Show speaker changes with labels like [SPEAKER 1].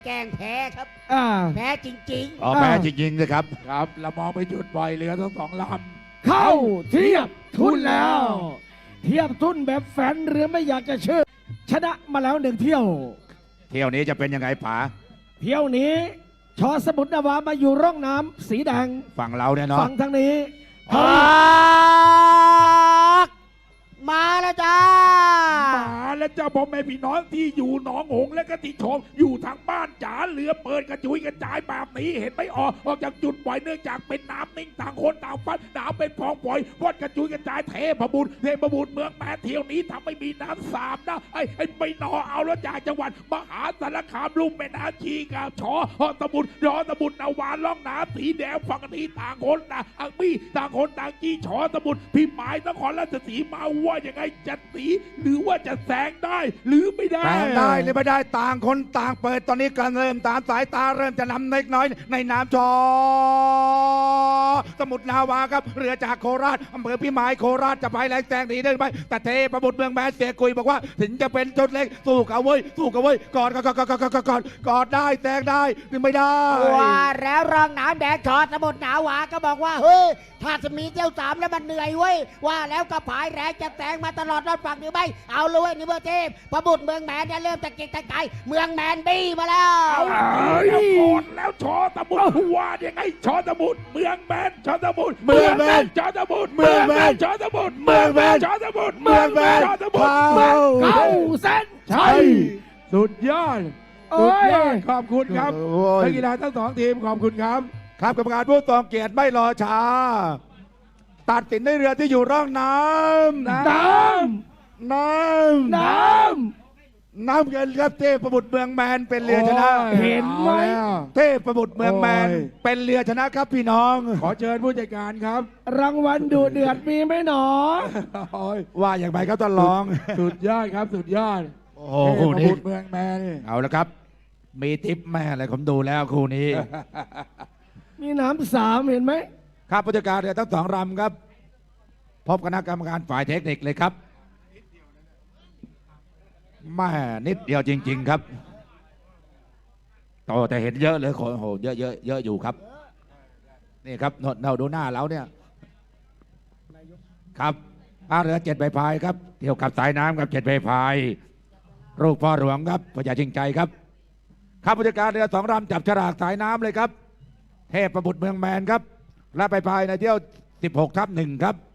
[SPEAKER 1] แกล้งแพ้ครับ แพ้จริง
[SPEAKER 2] อ๋อแพ้จริงๆเลยครับ
[SPEAKER 3] ครับเรามองไปจุดปล่อยเรือทั้งสองล
[SPEAKER 4] เข้าเทียบทุนแล้ว เทียบทุนแบบแฟนเรือไม่อยากจะเชื่อชนะมาแล้วหนึ่งเที่ยว
[SPEAKER 2] เที่ยวนี้จะเป็นยังไงป๋า
[SPEAKER 4] เที่ยวนี้ชอสมุทรนาวามาอยู่ร่องน้ำสีแดง
[SPEAKER 2] ฝั่งเราเนี่ยเนาะ
[SPEAKER 4] ฝั่งทางนี้
[SPEAKER 1] ๆพักมาแล้วจ้า
[SPEAKER 3] ำมาและเจ้าพ่อแม่พี่น้องที่อยู่หนองหงส์และก็ติชมอยู่ทางบ้านจ๋าเรือเปิดกระจุยกระจายแบบนี้เห็นไหมออกจากจุดปล่อยเนื่องจากเป็นน้ำนิ่งต่างคนต่างฟันน้ำเป็นพองปล่อยวัดกระจุยกระจายเทพบุตรเมืองแปดเที่ยวนี้ทำให้มีน้ำสามนะไอ้ไม่นอเอาแล้วจากจังหวัดมหาสารคามลุ่มแม่น้ำชีกับชอตะบุตรรอตะบุตรนาวานล่องน้ำสีแดงฝั่งนี้ต่างคนต่างอังมี่ต่างคนต่างจี้ชอตะบุตรพี่หมายนครราชสีมาว่ายังไงจะสีหรือว่าจะแซงได้หรือไม่ได้
[SPEAKER 2] แซงได้หรือไม่ได้ต่างคนต่างเปิดตอนนี้การเริ่มตามสายตาเริ่มจะนำเล็กน้อยในน้ำจอสมุทรนาวาครับเรือจากโคราชอำเภอพิมายโคราชจะไปแรงแซงหนีได้ไหมแต่เทพบุตรเมืองแมนเสียกุยบอกว่าถึงจะเป็นจุดเล็กสู้กันเว้ยกอดได้แซงได้หรือไม่ได้
[SPEAKER 1] ว่าแล้วรองน้ำแดงชอสมุทรหนาวาก็บอกว่าเฮ้ยถ้าจะมีเจ้าสามแล้วมันเหนื่อยเว้ยว่าแล้วก็ผายแรงจะแซงมาตลอดรอดฝั่งหรือไม่เอาเลยเว้ยนี่เบอร์เทพพระบุตรเมืองแมนเนี่ยเริ่มตะเกียกตะกายเมืองแมนบี้มาแล้ว
[SPEAKER 3] เอาแล้วกอดแล้วชอตะบุตรว่ายังไงชอตะบุตรเมืองแมนชอตะบุตรชอตะบุตรชอตะบุตรเมืองแมนชอตะบุตรเมืองแมน
[SPEAKER 4] เข้าเส้นชัย
[SPEAKER 3] สุดยอด
[SPEAKER 4] โอ้
[SPEAKER 3] สุด
[SPEAKER 4] ย
[SPEAKER 3] ยอดขอบคุณครับ
[SPEAKER 2] โอ้ย
[SPEAKER 3] นักกีฬาทั้งสองทีมขอบคุณครับ
[SPEAKER 2] ครับกรรมการผู้ทรงเกียรติไม่รอช้า ตัดสินในเรือที่อยู่ร่องน้ำ
[SPEAKER 4] น้
[SPEAKER 2] น้ำเงินครับเทพบุตรเมืองแมนเป็นเรือชนะ
[SPEAKER 3] โอ้ย
[SPEAKER 4] เห็นไหม
[SPEAKER 3] อาแล้ว
[SPEAKER 2] เทพบุตรเมืองแมน
[SPEAKER 3] โอ้ย
[SPEAKER 2] เป็นเรือชนะครับพี่น้อง
[SPEAKER 3] ขอเชิญผู้จัดการครับ
[SPEAKER 4] ำรางวัลดูเดือดมีไหมหนอ
[SPEAKER 3] โอ้ย
[SPEAKER 2] ว่าอย่างไรครับท่านรอง
[SPEAKER 3] สุดยอดครับสุดยอด
[SPEAKER 2] โอ้โห
[SPEAKER 3] เท
[SPEAKER 2] คู่
[SPEAKER 3] พ
[SPEAKER 2] นี้
[SPEAKER 3] บุตรเมืองแมนนี่
[SPEAKER 2] เอาละครับ มีทิปแม่อะไรผมดูแล้วคู่นี้
[SPEAKER 4] มีน้ำสามเห็นไหม
[SPEAKER 2] ครับผู้จัดการเรือทั้งสองลำครับ พบคณะกรรมการฝ่ายเทคนิคเลยครับแม่นิดเดียวจริง ๆ ครับโตแต่เห็นเยอะเลยโอ้โหเยอะอยู่ครับ นี่ครับเราดูหน้าเราเนี่ยครับเรือ7 ใบพายครับเที่ยวกับสายน้ำกับ7 ใบพายลูกพ่อหลวงครับพญาชิงใจครับครับผู้จัดการเรือ2 ลำจับฉลากสายน้ำเลยครับเทพบุตรเมืองแมนครับและใบพายในเที่ยว16/1ครับ